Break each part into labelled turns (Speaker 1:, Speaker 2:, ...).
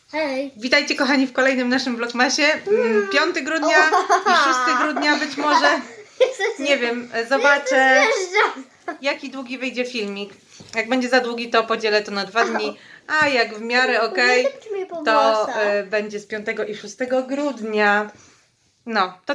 Speaker 1: Hej.
Speaker 2: Witajcie kochani w kolejnym naszym vlogmasie. 5 grudnia i 6 grudnia być może. Nie wiem, zobaczę jaki długi wyjdzie filmik. Jak będzie za długi, to podzielę to na 2 dni. A jak w miarę okej, to będzie z 5 i 6 grudnia. No, to...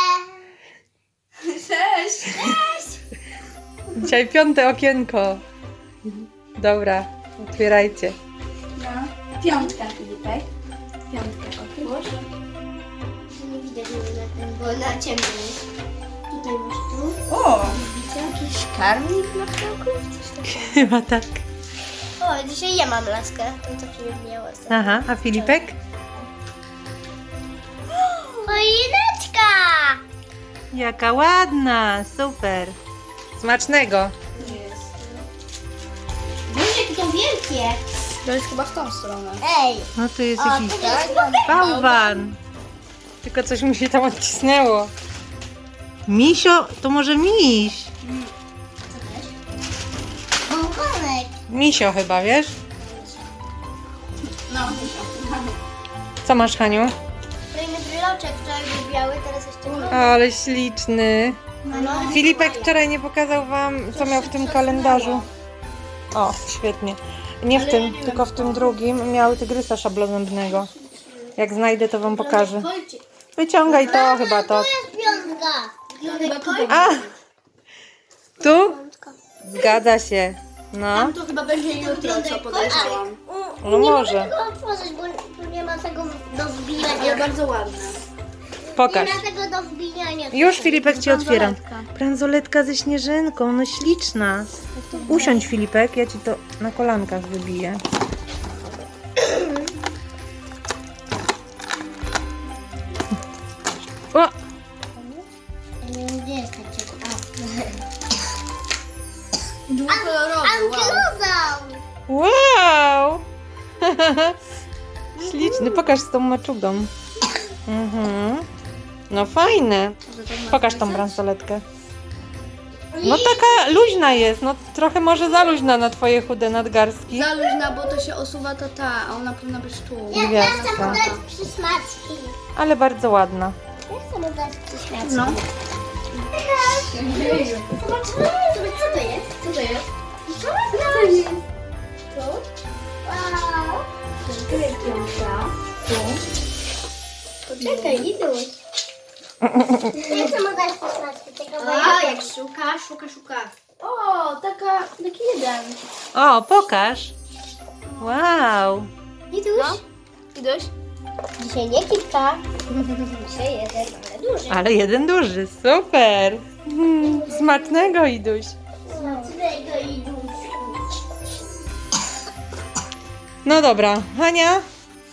Speaker 1: Cześć!
Speaker 2: Dzisiaj 5 okienko. Dobra, otwierajcie.
Speaker 1: No. 5, Filipek. 5 otwórz.
Speaker 3: Nie widać mnie na tym, bo na ciemno jest. Tutaj masz tu.
Speaker 1: O!
Speaker 3: Widzicie jakiś karmnik na ptaków? Coś takiego.
Speaker 2: Chyba tak.
Speaker 3: O, dzisiaj ja mam laskę. To co Filip miała ostatnio.
Speaker 2: Aha, a Filipek?
Speaker 3: Choineczka!
Speaker 2: Jaka ładna, super. Smacznego.
Speaker 1: Jest.
Speaker 3: Boże, jakie to wielkie!
Speaker 1: To jest chyba w tą stronę.
Speaker 3: Ej!
Speaker 2: No to jest
Speaker 3: O,
Speaker 2: jakiś
Speaker 3: to jest
Speaker 2: bałwan. Tylko coś mu się tam odcisnęło. Misio, to może miś.
Speaker 3: bałwanek.
Speaker 2: Misio chyba, wiesz?
Speaker 1: No,
Speaker 2: Co masz, Haniu?
Speaker 3: Kolejny bryloczek, wczoraj był biały, teraz jeszcze
Speaker 2: Ale śliczny.
Speaker 3: no.
Speaker 2: Filipek wczoraj nie pokazał wam, co miał w tym kalendarzu. O, świetnie. Nie w tym, tylko w tym drugim miał tygrysa szablonębnego. Jak znajdę, to wam pokażę. Wyciągaj to, chyba to.
Speaker 3: To jest piątka.
Speaker 2: A! Tu? Zgadza się. No,
Speaker 1: to chyba będzie jutro, co podejrzewam.
Speaker 2: no
Speaker 3: Nie
Speaker 2: może.
Speaker 3: mogę tego otworzyć, bo tu nie ma tego do
Speaker 1: Ale
Speaker 3: wbijania.
Speaker 1: bardzo ładne.
Speaker 2: Pokaż.
Speaker 3: Nie ma tego do wbijania.
Speaker 2: Już, Filipek, ci otwieram.
Speaker 1: Bransoletka.
Speaker 2: Bransoletka ze śnieżynką, no śliczna. Usiądź, Filipek, ja ci to na kolankach wybiję. O!
Speaker 3: Gdzie jest ta ciepła?
Speaker 1: Dwukolorowy, wow.
Speaker 3: Ankylozaur!
Speaker 2: Wow! Śliczny, pokaż z tą maczugą. Mhm. No fajne. Pokaż tą bransoletkę. No taka luźna jest, no trochę może za luźna na twoje chude nadgarstki.
Speaker 1: Za luźna, bo to się osuwa ta, a ona powinna być tu.
Speaker 3: Ja chcę
Speaker 2: Gwiazdka.
Speaker 3: mu dać przysmaczki.
Speaker 2: Ale bardzo ładna.
Speaker 3: Ja chcę mu dać przysmaczki.
Speaker 1: No.
Speaker 3: Zobaczymy, co to jest?
Speaker 1: Co to jest?
Speaker 3: Co to jest? Tu? Wow.
Speaker 1: Tu jest piątka. Tu.
Speaker 3: Poczekaj, Iduś. Ja chcę mu dać przysmaczki. Tylko bo
Speaker 1: A,
Speaker 3: ja...
Speaker 1: jak szuka. O, taki jeden.
Speaker 2: O, pokaż. Wow.
Speaker 3: Iduś?
Speaker 1: Idoś?
Speaker 3: Dzisiaj nie kilka. Dzisiaj jeden, ale duży.
Speaker 2: Ale jeden duży, super. Smacznego, Iduś.
Speaker 3: Smacznego Iduś.
Speaker 2: No dobra, Hania.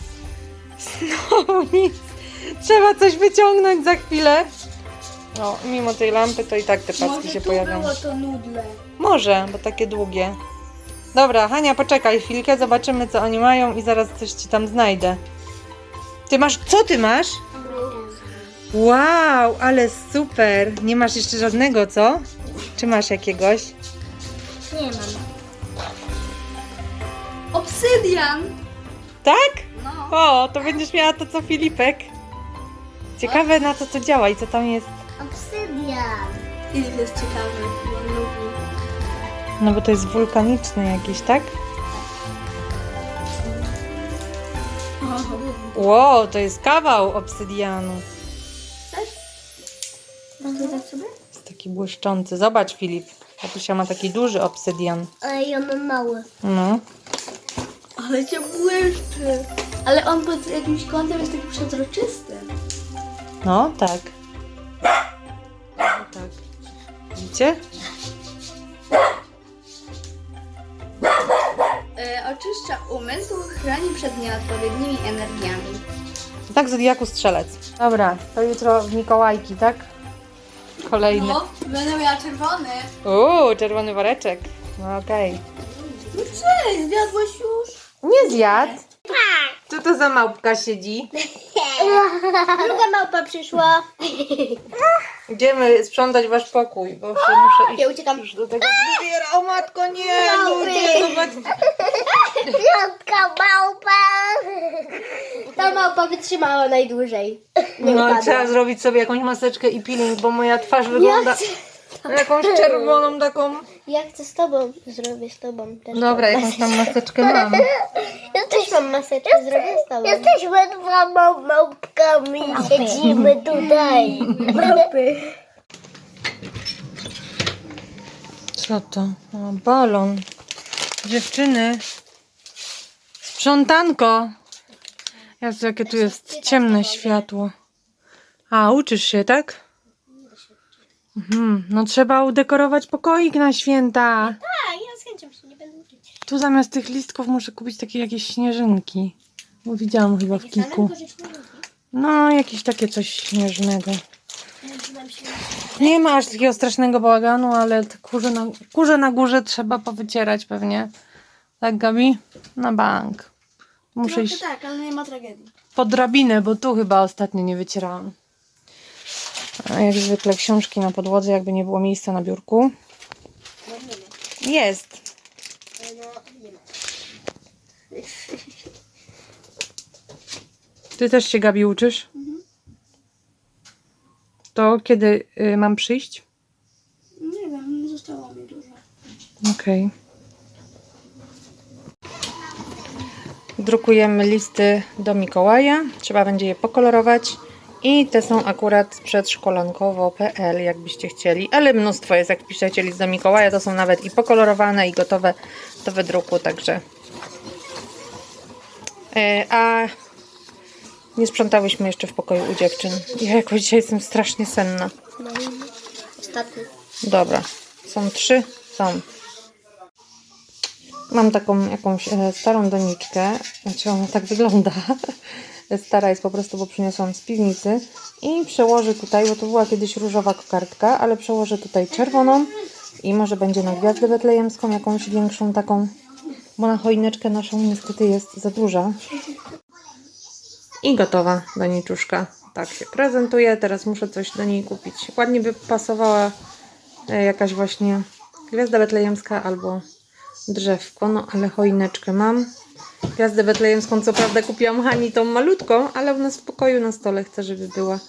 Speaker 2: Znowu nic. Trzeba coś wyciągnąć za chwilę. No, mimo tej lampy to i tak te paski
Speaker 1: Może
Speaker 2: się
Speaker 1: tu
Speaker 2: pojawią.
Speaker 1: było to nudle.
Speaker 2: Może, bo takie długie. Dobra, Hania, poczekaj chwilkę, zobaczymy co oni mają i zaraz coś ci tam znajdę. Ty masz, co ty masz? Wow, ale super. Nie masz jeszcze żadnego, co? Czy masz jakiegoś?
Speaker 3: Nie mam.
Speaker 1: Obsydian!
Speaker 2: Tak?
Speaker 1: No.
Speaker 2: O, to będziesz miała to co Filipek. Ciekawe na co to działa i co tam jest.
Speaker 3: Obsydian.
Speaker 1: Filip jest ciekawy, bo on lubi.
Speaker 2: No bo to jest wulkaniczny jakiś, tak? Wow, to jest kawał obsydianu.
Speaker 1: Mogę dać sobie?
Speaker 2: Jest taki błyszczący. Zobacz, Filip. Tatusia ma taki duży obsydian.
Speaker 3: Ale ja mam mały.
Speaker 2: No.
Speaker 1: Ale cię błyszczy. Ale on pod jakimś kątem jest taki przezroczysty.
Speaker 2: No, tak. No, tak. Widzicie?
Speaker 1: Oczyszcza umysł, chroni przed nieodpowiednimi energiami.
Speaker 2: Tak, Zodiaku Strzelec. Dobra, to jutro w Mikołajki, tak? Kolejny.
Speaker 1: No, będę miała czerwony.
Speaker 2: Czerwony woreczek. No okej.
Speaker 1: No cześć, zjadłeś już?
Speaker 2: Nie zjadł. Co to za małpka siedzi?
Speaker 3: Druga małpa przyszła.
Speaker 2: Idziemy sprzątać wasz pokój, bo się muszę iść.
Speaker 3: Ja uciekam.
Speaker 2: Już do tego fryzjera. O matko, nie!
Speaker 3: Małpy.
Speaker 2: Ludzie, zobacz.
Speaker 3: Piątka małpa. Która małpa wytrzymała najdłużej? Nie
Speaker 2: No
Speaker 3: upadła.
Speaker 2: trzeba zrobić sobie jakąś maseczkę i peeling, bo moja twarz wygląda jakąś czerwoną taką.
Speaker 3: Ja chcę z tobą. Zrobię z tobą też.
Speaker 2: Dobra, jakąś tam maseczkę mam.
Speaker 3: Ja też mam maseczkę, zrobię z tobą. Jesteśmy dwoma małpkami. Siedzimy tutaj. Małpy.
Speaker 2: Co to? O, balon. Dziewczyny. Sprzątanko. Jezu, jakie tu jest ciemne światło. A, uczysz się, tak? No trzeba udekorować pokoik na święta.
Speaker 3: Tak, ja z chęcią się nie będę uczyć.
Speaker 2: Tu zamiast tych listków muszę kupić takie jakieś śnieżynki. Bo widziałam chyba w Kiku. No, jakieś takie coś śnieżnego. Nie ma aż takiego strasznego bałaganu, ale te kurze na górze trzeba powycierać pewnie. Tak, Gabi? Na bank. Muszę iść
Speaker 1: Tak, ale nie ma tragedii.
Speaker 2: po drabinę, bo tu chyba ostatnio nie wycierałam. A jak zwykle książki na podłodze, jakby nie było miejsca na biurku. Jest. Ty też się, Gabi, uczysz? To kiedy mam przyjść?
Speaker 1: Nie wiem, nie zostało mi dużo.
Speaker 2: Okej. Drukujemy listy do Mikołaja. Trzeba będzie je pokolorować. I te są akurat z przedszkolankowo.pl, jakbyście chcieli. Ale mnóstwo jest, jak piszecie list do Mikołaja. To są nawet i pokolorowane, i gotowe do wydruku. Także. A nie sprzątałyśmy jeszcze w pokoju u dziewczyn. Ja jakoś dzisiaj jestem strasznie senna.
Speaker 3: No i ostatni.
Speaker 2: Dobra. Są 3? Są. Mam taką jakąś starą doniczkę. Znaczy ona tak wygląda. Stara jest po prostu, bo przyniosłam z piwnicy. I przełożę tutaj, bo to była kiedyś różowa kokardka, ale przełożę tutaj czerwoną. I może będzie na gwiazdę betlejemską, jakąś większą taką. Bo na choineczkę naszą niestety jest za duża. I gotowa doniczuszka. Tak się prezentuje. Teraz muszę coś do niej kupić. Ładnie by pasowała jakaś właśnie gwiazda betlejemska albo drzewko. No ale choineczkę mam. Gwiazdę betlejemską co prawda kupiłam Hani tą malutką, ale u nas w pokoju na stole chcę, żeby była.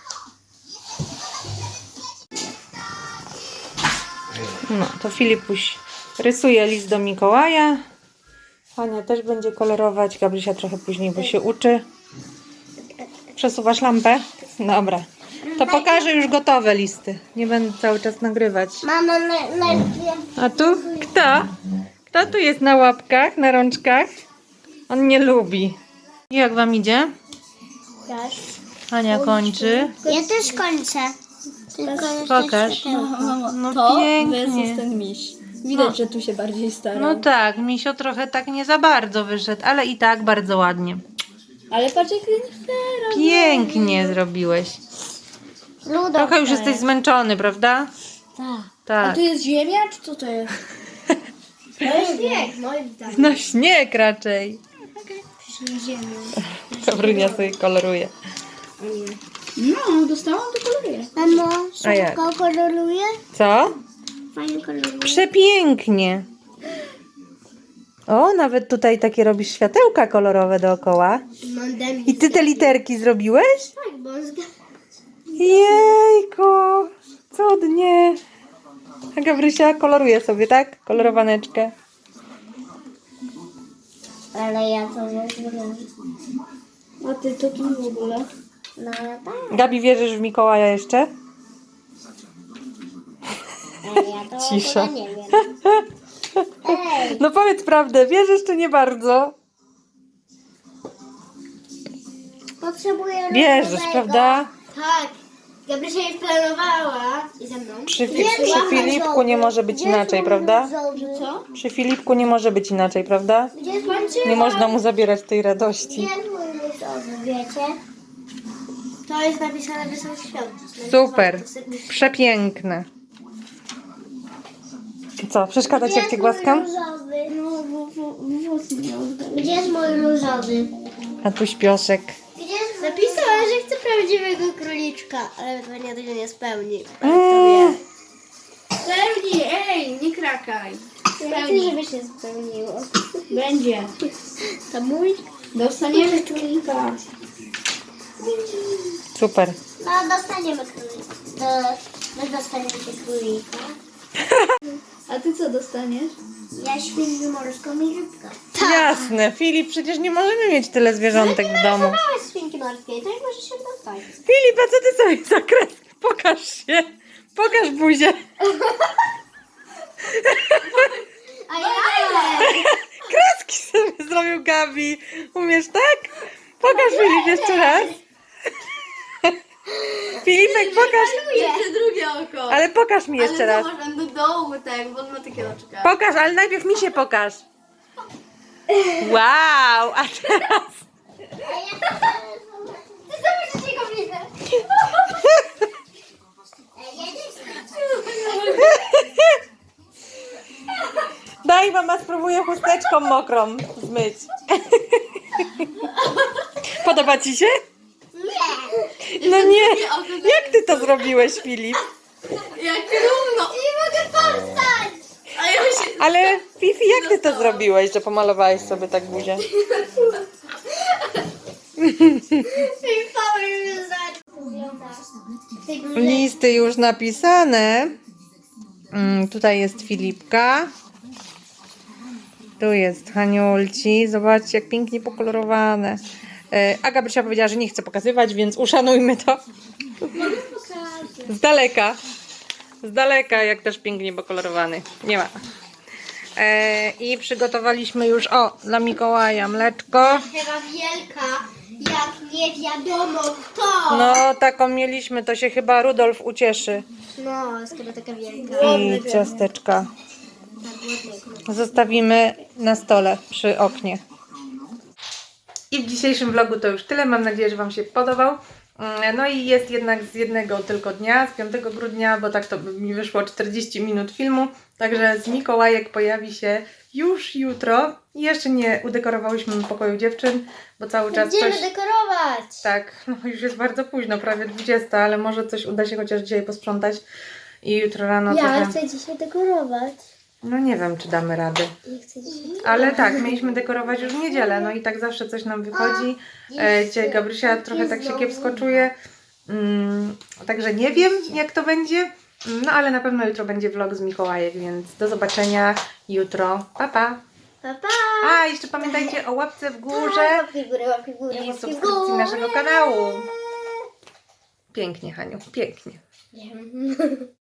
Speaker 2: No to Filipuś rysuje list do Mikołaja. Hania też będzie kolorować. Gabrysia trochę później, bo się uczy. Przesuwasz lampę? Dobra. To pokażę już gotowe listy. Nie będę cały czas nagrywać.
Speaker 3: Mamo,
Speaker 2: A tu kto? Kto tu jest na łapkach, na rączkach? On nie lubi. Jak wam idzie? Hania kończy.
Speaker 3: Ja też kończę. Tylko
Speaker 2: Pokaż. No
Speaker 1: To
Speaker 2: pięknie.
Speaker 1: versus ten miś. Widać, że tu się bardziej starał.
Speaker 2: No tak, misio trochę tak nie za bardzo wyszedł, ale i tak bardzo ładnie.
Speaker 1: Ale patrz jak Renifera.
Speaker 2: Pięknie zrobiłeś. Trochę już jesteś zmęczony, prawda?
Speaker 3: Tak.
Speaker 1: A
Speaker 2: Tak.
Speaker 1: tu jest ziemia, czy co to jest?
Speaker 3: To jest śnieg, moim zdaniem.
Speaker 2: No śnieg raczej.
Speaker 3: Ziemią.
Speaker 2: Gabrynia sobie koloruje.
Speaker 1: No, dostałam, to koloruję.
Speaker 3: Mamo,
Speaker 2: A jak?
Speaker 3: szybko koloruje?
Speaker 2: Co?
Speaker 3: Fajnie koloruje.
Speaker 2: Przepięknie. O, nawet tutaj takie robisz światełka kolorowe dookoła. I ty te literki zrobiłeś?
Speaker 3: Tak, bo on
Speaker 2: Jejku, cudnie. A Gabrysia koloruje sobie, tak? Kolorowaneczkę.
Speaker 3: Ale ja to nie zrobię.
Speaker 1: A ty to tu w ogóle?
Speaker 3: No ja tak.
Speaker 2: Gabi, wierzysz w Mikołaja jeszcze?
Speaker 3: Ale ja to
Speaker 2: Cisza.
Speaker 3: w ogóle nie wiem. Ej,
Speaker 2: No powiedz prawdę, wierzysz czy nie bardzo?
Speaker 3: potrzebuję
Speaker 2: Wierzysz,
Speaker 3: różowego.
Speaker 2: prawda?
Speaker 3: Tak. Gabrysia już planowała i ze mną.
Speaker 2: Przy Filipku nie może być inaczej, prawda?
Speaker 3: Co?
Speaker 2: Przy Filipku nie może być inaczej, prawda?
Speaker 3: Gdzie jest mój
Speaker 2: Nie można mu zabierać tej radości.
Speaker 3: Gdzie jest mój różowy, wiecie? To jest napisane Wesoły Świąt.
Speaker 2: Super, przepiękne. Co, przeszkadza ci jak cię głaskam?
Speaker 3: No, gdzie jest mój różowy?
Speaker 2: A tu śpioszek.
Speaker 3: Gdzie jest napisała, że chce prawdziwego króliczka, ale pewnie tego nie spełni.
Speaker 1: Spełnij, ej, nie krakaj.
Speaker 3: Chcę, żeby się spełniło.
Speaker 1: Będzie.
Speaker 3: To mój?
Speaker 1: Dostaniemy królika.
Speaker 2: Super.
Speaker 3: No, dostaniemy królika. My dostaniemy królika.
Speaker 1: A ty co dostaniesz?
Speaker 3: Ja świnię morską i rybkę.
Speaker 2: Jasne, Filip, przecież nie możemy mieć tyle zwierzątek w domu.
Speaker 3: Małe świnki morskie, tak może się dostać.
Speaker 2: Filip, a co ty sobie za kreski? Pokaż się. Pokaż buzię.
Speaker 3: A ja
Speaker 2: Kreski sobie zrobił Gabi. Umiesz tak? Pokaż Filip jeszcze raz. Filipek, pokaż.
Speaker 1: Jeszcze drugie oko.
Speaker 2: Ale pokaż mi jeszcze raz.
Speaker 1: Ale zobacz, do dołu tak, bo on ma takie oczka.
Speaker 2: Pokaż, ale najpierw mi się pokaż. Wow, a teraz...
Speaker 3: Ty zobaczysz jego widzę.
Speaker 2: Daj, mama spróbuję chusteczką mokrą zmyć. Podoba ci się?
Speaker 3: Nie.
Speaker 2: No nie. Jak ty to zrobiłeś, Filip?
Speaker 1: Jak równo.
Speaker 3: Nie mogę powstać.
Speaker 1: A ja się...
Speaker 2: Ale Fifi, jak ty to zrobiłeś, że pomalowałeś sobie tak buzię? Listy już napisane. Tutaj jest Filipka. Tu jest Haniulci. Zobaczcie, jak pięknie pokolorowane. A Gabrysia powiedziała, że nie chce pokazywać, więc uszanujmy to. Z daleka. Z daleka, jak też pięknie pokolorowany. Nie ma. I przygotowaliśmy już, dla Mikołaja mleczko.
Speaker 3: Chyba wielka, jak nie wiadomo kto.
Speaker 2: No, taką mieliśmy, to się chyba Rudolf ucieszy.
Speaker 3: No, skoro taka wielka.
Speaker 2: I ciasteczka zostawimy na stole przy oknie. I w dzisiejszym vlogu to już tyle. Mam nadzieję, że Wam się podobał. No i jest jednak z jednego tylko dnia, z 5 grudnia, bo tak to by mi wyszło 40 minut filmu. Także z Mikołajek pojawi się już jutro. I jeszcze nie udekorowałyśmy pokoju dziewczyn, bo cały czas
Speaker 3: Będziemy
Speaker 2: coś...
Speaker 3: dekorować.
Speaker 2: Tak, no już jest bardzo późno, prawie 20, ale może coś uda się chociaż dzisiaj posprzątać. I jutro rano
Speaker 3: Ja
Speaker 2: trochę...
Speaker 3: chcę dzisiaj dekorować.
Speaker 2: No nie wiem, czy damy radę.
Speaker 3: Ja chcę dzisiaj...
Speaker 2: Ale tak, mieliśmy dekorować już w niedzielę, no i tak zawsze coś nam wychodzi. Dzisiaj Gabrysia trochę tak się kiepsko czuje. Także nie wiem, jak to będzie. No ale na pewno jutro będzie vlog z Mikołajek, więc do zobaczenia jutro. Pa, pa!
Speaker 3: Pa, pa.
Speaker 2: A, jeszcze pamiętajcie o łapce w górze
Speaker 3: Łapki w górę, łapki w górę,
Speaker 2: i
Speaker 3: łapki w
Speaker 2: subskrypcji
Speaker 3: górę.
Speaker 2: naszego kanału. Pięknie, Haniu, pięknie.
Speaker 3: Nie.